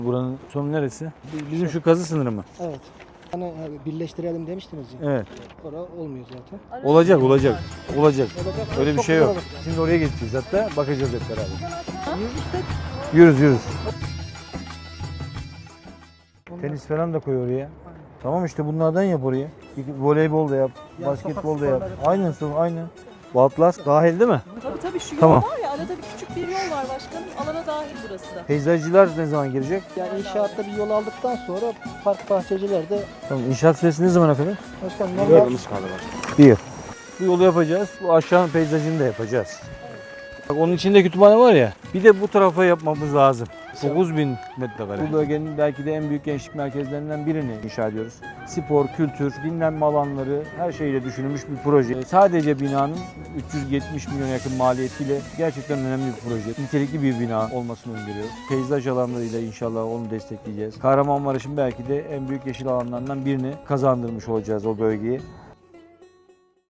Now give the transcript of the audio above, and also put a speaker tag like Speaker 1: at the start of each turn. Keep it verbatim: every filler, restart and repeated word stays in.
Speaker 1: Buranın sonu neresi? Bizim şu kazı sınırı mı?
Speaker 2: Evet. Hani birleştirelim demiştiniz ya.
Speaker 1: Evet.
Speaker 2: Orada olmuyor zaten.
Speaker 1: Olacak, olacak. Olacak.
Speaker 2: Olacak.
Speaker 1: Öyle bir
Speaker 2: Çok
Speaker 1: şey
Speaker 2: güzel
Speaker 1: yok.
Speaker 2: olur.
Speaker 1: Şimdi oraya geçeceğiz hatta. Bakacağız hep beraber.
Speaker 2: Yürüyüşte
Speaker 1: Yürüz, yürüz. Tenis falan da koy oraya. Tamam işte bunlardan yap oraya. Voleybol da yap,
Speaker 2: Ya,
Speaker 1: basketbol da
Speaker 2: sokak
Speaker 1: yap.
Speaker 2: sporları.
Speaker 1: Aynen, son, aynen. Bu Atlas dahil değil mi?
Speaker 3: Tabii tabii şu
Speaker 1: Tamam.
Speaker 3: yol var ya, arada bir küçük bir yol var başkanım. Alana dahil burası da.
Speaker 1: Peyzajcılar ne zaman girecek?
Speaker 2: yani inşaatta bir yol aldıktan sonra park bahçeciler de
Speaker 1: Tamam, inşaat süresi ne zamana kadar?
Speaker 2: başkan normal
Speaker 1: Bir yıl. Bu yolu yapacağız. Bu aşağının peyzajını da yapacağız. Bak onun içinde kütüphane var ya. Bir de bu tarafa yapmamız lazım. dokuz bin metrekare. Bu bölgenin belki de en büyük gençlik merkezlerinden birini inşa ediyoruz. Spor, kültür, dinlenme alanları her şeyle düşünülmüş bir proje. Sadece binanın üç yüz yetmiş milyon yakın maliyetiyle gerçekten önemli bir proje. Nitelikli bir bina olmasını öngörüyoruz. Peyzaj alanlarıyla inşallah onu destekleyeceğiz. Kahramanmaraş'ın belki de en büyük yeşil alanlarından birini kazandırmış olacağız o bölgeyi.